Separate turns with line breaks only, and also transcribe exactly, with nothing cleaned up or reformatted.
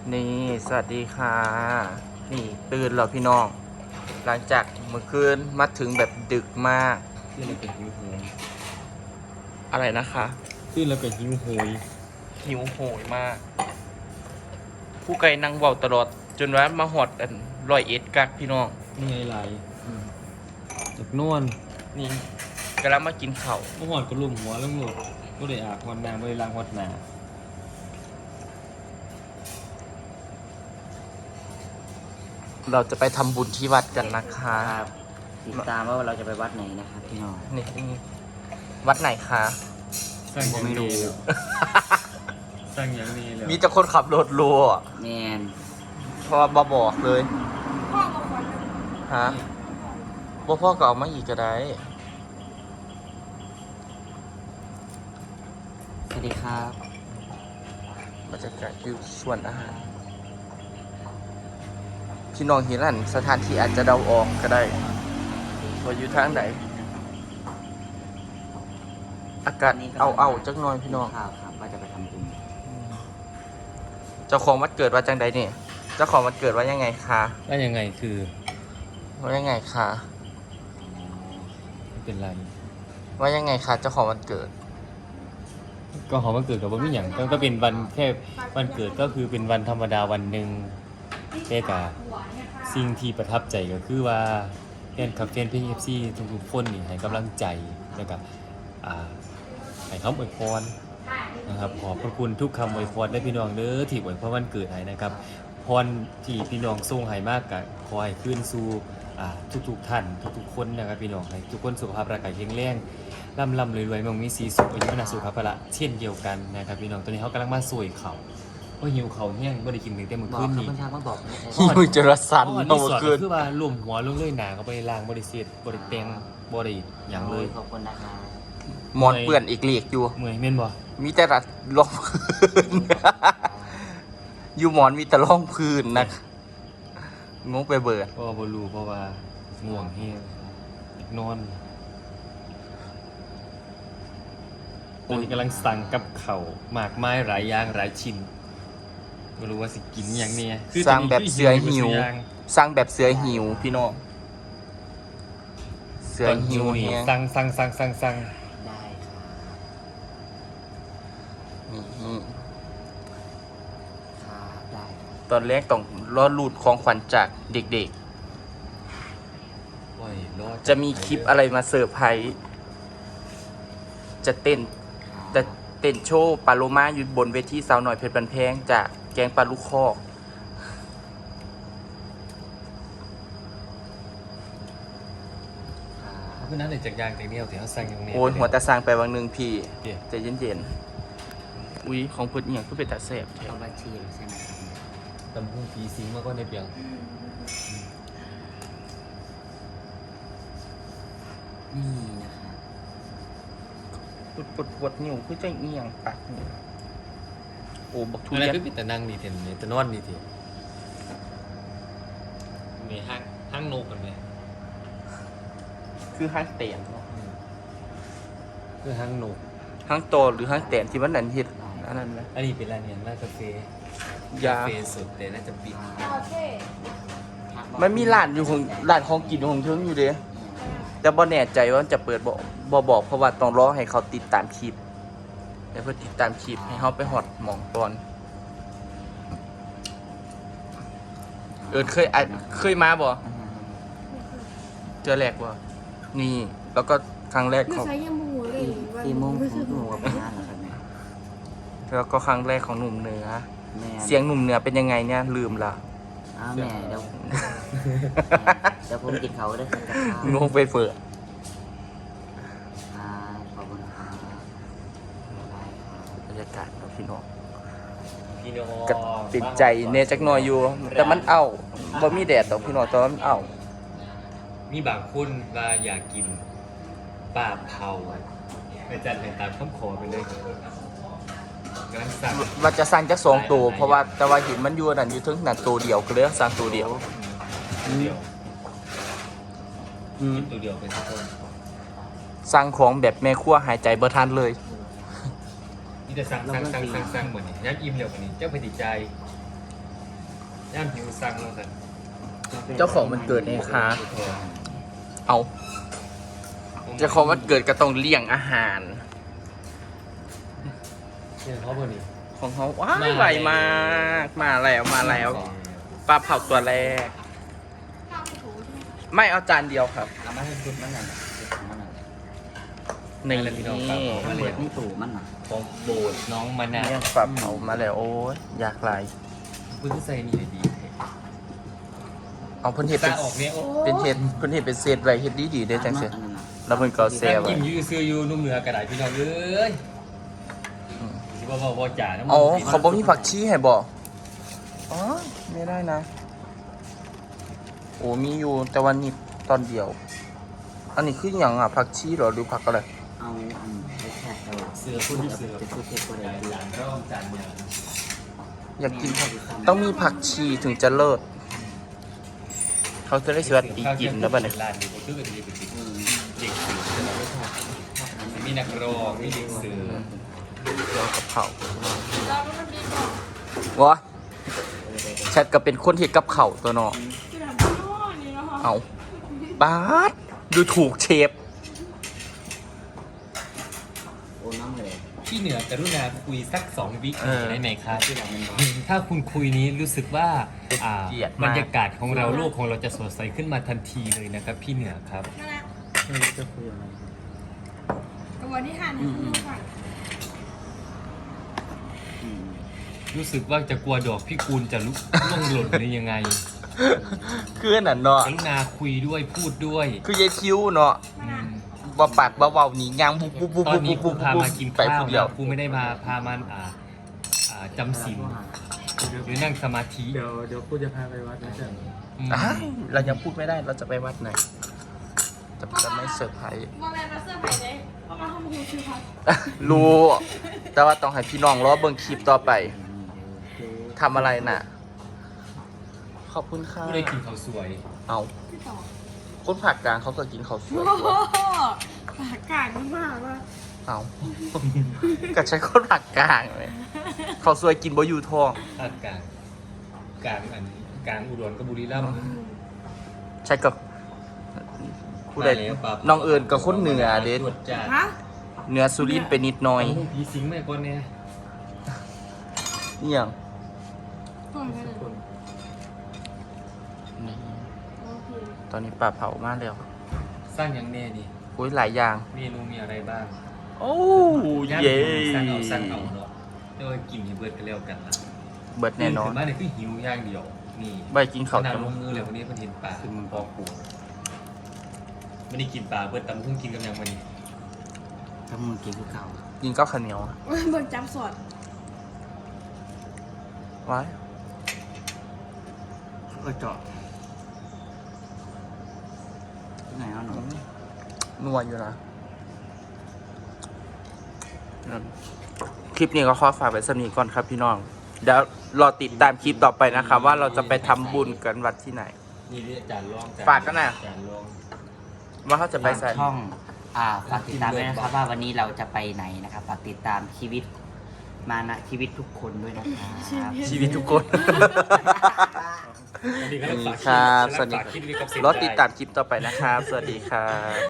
นี่สวัสดีค่ะนี่ตื่นแล้วพี่น้องหลังจากเมื่อคืนมาถึงแบบดึกมาก
ขึ้นแล้วก็หิวโหย
อะไรนะคะ
ขึ้นแล้วก็หิวโหย
หิวโหยมาก ผู้ไกลนั่งเบาตลอด จนว่ามาหอดอันรอยเอ็ดกักพี่น้อง
นี่ไงไหลจากนวล
นี่กำลังมากินข้าว
เมื่อวานก็ลุ่มหัวแล้วหมดก็ได้อาบหอดน้ำไม่ได้ล้างหอดหนา
เราจะไปทำบุญที่วัดกันนะคะ
ครับติดตามว่าเราจะไปวัดไหนนะครับพี่น้อง
นี่นี่วัดไหนคะ
สร้างอย่าง
ไม่รู้
นี้แล้วสร้างอย่างนี้แล้ว
มีแต่คนขับรถรัว
แมน
เพราะว่าบอบอกเลยฮะบ่พ่อก็เอามาอีกก็ได้
สวัสดีครับ
บรรยากาศอยู่ส่วนอาหารพี่น้องเห็นอันสถานที่อาจจะเดาออกก็ได้ว่าอยู่ทางไหนอากาศเอาเอาๆจักหน่อยพี่น้อง
ข่าวครับว่าจะไปทำบุญ
เจ้าของวันเกิดว่าจังใดเนี่ยเจ้าของวันเกิดว่ายังไงคะ
แล้วยังไงคือ
ว่ายังไงคะ
ไม่เป็นไร
ว่ายังไงคะเจ้าของวันเกิด
ก็หอมวันเกิดกับวันไม่อย่างก็ก็เป็นวันแค่วันเกิดก็คือเป็นวันธรรมดาวันหนึ่งแต่กะสิ่งที่ประทับใจก็คือว่าแฟนคลับแฟนเพลงเอฟซีทุกๆคนนี่ให้กำลังใจแล้วก็อ่าให้คำอวยพรนะครับขอบพระคุณทุกคำอวยพรได้พี่น้องเด้อที่อวยพรวันเกิดให้นะครับพรที่พี่น้องส่งให้มากกะขอให้ขึ้นสู่อ่าทุกๆท่านทุกๆคนนะครับพี่น้องให้ทุกคนสุขภาพร่างกายแข็งแรงร่ำร่ำรวยๆมั่งมีสีสุขอายุวนะสุขภาพละเช่นเดียวกันนะครับพี่น้องตอนนี้เขากำลังมาสวยเขาก็หิวเขาแห้งไม่ได้กินถึงแต่เมื่อ
บอก
คืน
ครับ
นี้
คุณชามาบอก
หิวจรสัน
เพราะว่า
เมื่
รี
อ
สอร์ท
คืน
ก็คือว่าลุ่มหัวลงเลยหนาเขาไปล้างบริเสียบริเตงบริอย่างเลย
ขอบคุณนะครับ
หมอนเปื่อนอีกเหลีกอยู่
เมื่อยเม่นบ่
มีแต่รัดรองพื้น อยู่หมอนมีแต่ร่องพื้นนะงงไปเบิด
เพราะว่าบรูเพราะว่าง่วงแห้งอยากนอนตอนนี้กำลังสั่งกับเขาวหมากไม้หลายอย่างหลายชิ้นไม่รู้ว่าสิกินอย่างเนี้ย
สร้างแบบเสือหิว
คือตอนนี้คืออย่าง
สร้างแบบเสือหิวพี่น้องเสือ
ตอน
หิ
หิ
ว
วนี่
เนี่ย
สั่งสั่งสั่งสั่งสั่ง
ได้ครับ
นี่
ครับได้ครับ
ตอนแรกต้องรอรูดของขวัญจากเด็ก
โอ้ยรอด
ๆ จะมีคลิปอะไรมาเซอร์ไพรส์จะเต้น
ครับ
จะเต้นโชว์ปาโลมาอยู่บนเวทีสาวหน่อยเพชรบันแพงจากแกงปลาลูกคอก
ครับ
เพราะนั้นเลยจากอยางจากเดียวที่เขาสั่งอย่างนี้
โอ้ยหัวตาสร้างไปวังหนึ่งพี่
เดี๋ยว
ใจเย็นๆอุ้ยของเพิ่นเนี่ยก็เป็นตาแสบแท้
เอาบัญชีใช่ไหมครับ
ตำพุ่งผีสิงมาก็ในเปียง
นี่นะครับ
ปวดปวดปวดนิ้วคือใจเอียงปักนี่โอ้บักทุ
อะไร
เรียน
ก็ปิดแต่นั่งดีเทนเนี่ยแต่นอนดีเทนมีห้างห้างนกกันไหม
คือห้างเตียนเนาะ
คือห้างนก
ห้างโตหรือห้างเตียนที่มันนันเฮ็ดอันนั้นไหม
อันนี้เป็นร้านเนี่ยร้านกาแฟ
ยา
กาแฟสุดแต่น่าจะปิด
มันมีร้านอยู่ของร้านของกินของเทิงอยู่เด้แต่บ่แน่ใจว่าจะเปิดบ่บ่บอกเพราะว่าต้องรอให้เขาติดตามคลิปให้เพิ่นติดตามคลิปให้เฮาไปฮอดหม่องก่อนเอิ้นเคยอ่ะเคยมาบ่เจอแรกบ่นี่แล้วก็ครั้งแรก
ไม่
ของ
ใช้ยามูเลย
สี่โมงผมหนูกับไปงานนะครับเนี่ย
แล้วก็ครั้งแรกของหนุ่มเหนือ
แม่
เสียงหนุ่มเหนือเป็นยังไงเนี่ยลืมละ
อ้าวแม่เดี๋ยวเดี๋ยวผมกินเขาได้ครับกับข้าว
งงไปเปิด
อ่าขอบคุณครับได้ครับ
บรรยากาศเนาะพี่น้อง
พี่น้อง
ก็ติดใจเนจักหน่อยอยู่ แต่มันเอ้าบ่มีแดดดอกพี่น้องแต่ว่ามันเอ้า
มีบางคนว่าอยากกินปลาเผาไปจัดให้ตามข้อขอไปเลยกำลังสั่ง
ว่าจะสร้างจักสองตัวเพราะว่าแต่ว่าเห็นมันอยู่นั่นอยู่ถึงนั่นตัวเดียวก็เลยสร้างตัวเดียว
ตัวเดียว
อืม
กินตัวเดียวเป็นสักคน
สร้างของแบบแม่ครัวหายใจบ่ทันเลย
นี่จะสั่งสั่งสั่งสั่งสั่งเหมือนนี่ยักอิ่มเร็วกว่านี้เจ้าพอดีใจย่ามหิวสั่งแล้วกัน
เจ้าของมันเกิดไงคะ เอาเจ้าของมันเกิดก็ต้องเลี้ยงอาหาร
เนี่ยเขาบ่นี่
ของเขาว้ายไหวมากมาแล้วมาแล้วปลาเผาตัวแรก ไม่เอาจานเดียวครับ
เอามาให้ชุดมันน่ะชุดของมันน่ะ
นี่
มันเปิดนี่ตู่มันน่ะ
ของโบดน้องมะนาว
เนี่ยปลาเผามาแล้วโอ้ยอยากไหล
เพิ่งใส่นี่เลยดี
เอาเพิ่นเห็ด
ตา
เป็น
ออกเนี่ยโอ้
เป็นเห็ดเพิ่นเห็ดเป็นเศษไรเห็ดดีดีๆได้จังเสีย
อันนั้นน่ะ
แล้วเพิ่นก็เอาแซ่
นั่ง
ไว้
กินอยูซื้ออยู่นุ่มเหนือกระดาษพี่น้องเอ้ยสิบ่บ่บ่จ่านะ
อ๋อเขาบอกมีผักชีให้บอกอ๋อไม่ได้นะ โอ้มีอยู่แต่วันนี้ตอนเดียว อันนี้คืออย่างอ่ะผักชีเหรอหรือผักอะไร
เอาอันไปแค่เอา
เสือพุ่นเสือ
จะชุดเทปก็ได้
หลานก็จานเนี่ย
อยากกินผักต้องมีผักชีถึงจะเลิศเขาจะได้สวัสดีกินแล้วบ้าเนี่ย
ร้านนี้ก็คือเป็นเด็ก
อืม
เด็กสือมีนักร้องมีเด็กสือ
รอกับเขาวะแชทก็เป็นคนเห็ดกับเขาวตัวเนาะเอาบาสดูถูกเชฟ
โอ้น้ำเลย
พี่เหนือกรุณาคุยสักสองวิ
เออ
ได้ไหมครับ
ที่เรามัน
ถ้าคุณคุยนี้รู้สึกว่าอ่า
เกลียดมาก
บรรยากาศของเราโลกของเราจะสดใสขึ้นมาทันทีเลยนะครับ พี่เหนือครับ
ไม่รู้จะคุยอะไร
กับวันที่ทานให้คุณค่ะ
อืม
รู้สึกว่าจะกลัวดอกพี่กูลจะลุกล่วงหล่นหรือยังไง
คืออันนั่นเนาะ
กรุณาคุยด้วยพูดด้วย
คือยายคิ้วเนาะ
อืม
ว่าปากเบาๆหนียางบุบบุบบุบ
ตอนนี้ครู
บุบ
พา
บุบ
มากิน
ไป
ข้าว
ผู้เดียว
นะครูไม่ได้มาพามันอ่าอ่าจำศีลหรือนั่งสมาธิ
เดี๋ยวเดี๋ยวกูจะพาไปวัดนะจ๊ะ
อืม
อ้าวเรายังพูดไม่ได้เราจะไปวัดไหนจะจะไม่เซอร์ไพรส์
มาแมนมาเสื้อไผ่เลยเพราะมาทำหูชื่อพัด
รู้ แต่ว่าต้องให้พี่น้องรอเบิ่งคลิปต่อไปทำอะไรน่ะ ขอบคุณค่ะ
ผู้ได้กินข้าวสวย
เอา
พี่ต่อ
คนผักกลางเขาก็กินข้าวสวย
โอ้โหปากกาดมากว่า
เอา ก็ใช้คนผักกลางเลยข้าวสวยกินบ่อยู่ท้อง
ภาคกลางกลางอันกลางอุดรกับบุรีรัมย์
ใช่กับผู้ใด
มาแล้วปั๊บ
น้องเอิญกับคนเหนือเด็ด
ตรวจจัด
ฮะ
เหนือสุรินทร์ไปนิดหน่อย
เอาผีสิงแม่ก่อนเนี่ย
นี่อย่าง
ก่อนกันเลย
นี่
โอเค
ตอนนี้ปลาเผามากแล้ว
สร้างอย่างแน่นี่
อุ้ยหลายอย่าง
เมนูมีอะไรบ้าง
โอ้
ย่าง
เย้
สร้างเอาสร้างเอาเนาะเรียกว่ากินให้เบิดกันแล้วกันละ
เบิดแน่นอน
ตื่ขึ้มาเนี่ยคือหิวอย่างเดียว นี่
ใบกินข้าว
ขนาด
จัง
ลงมือเลยวันนี้เพิ่นเห็นปลาคือมันพอปูไม่ได้กินปลาเบิดตำเพิ่งกินกับยังวันนี้
ถ้ามึงกินคือเก่า
กินข้าวข้าวเหนียว
เบิ่งจำสอด
ไว้
ก็เจาะที่ไหนเอาหนู
นัวอยู่นะนั่นคลิปนี้ก็ขอฝากไว้สำนีก่อนครับพี่น้อง เดี๋ยวรอติดตามคลิปต่อไปนะครับ ว่าเราจะไปทำบุญกันวัดที่ไหน
นี่นี่อาจารย์ลอง
ฝากกันน่ะ
อาจารย์ลอง
ว่าเขาจะไปใส่
ช่อง อ่าฝากติดตามด้วยนะครับว่าวันนี้เราจะไปไหนนะครับฝากติดตามชีวิตมานะชีวิตทุกคนด้วยนะครับ
ชีวิตทุกคน
สวัสดีครับ
ครับ
ฝาก
สวัสดี
ฝากคลิปนี้กับเสียง
รอติดตามคลิปต่อไปนะครับ สวัสดีครับ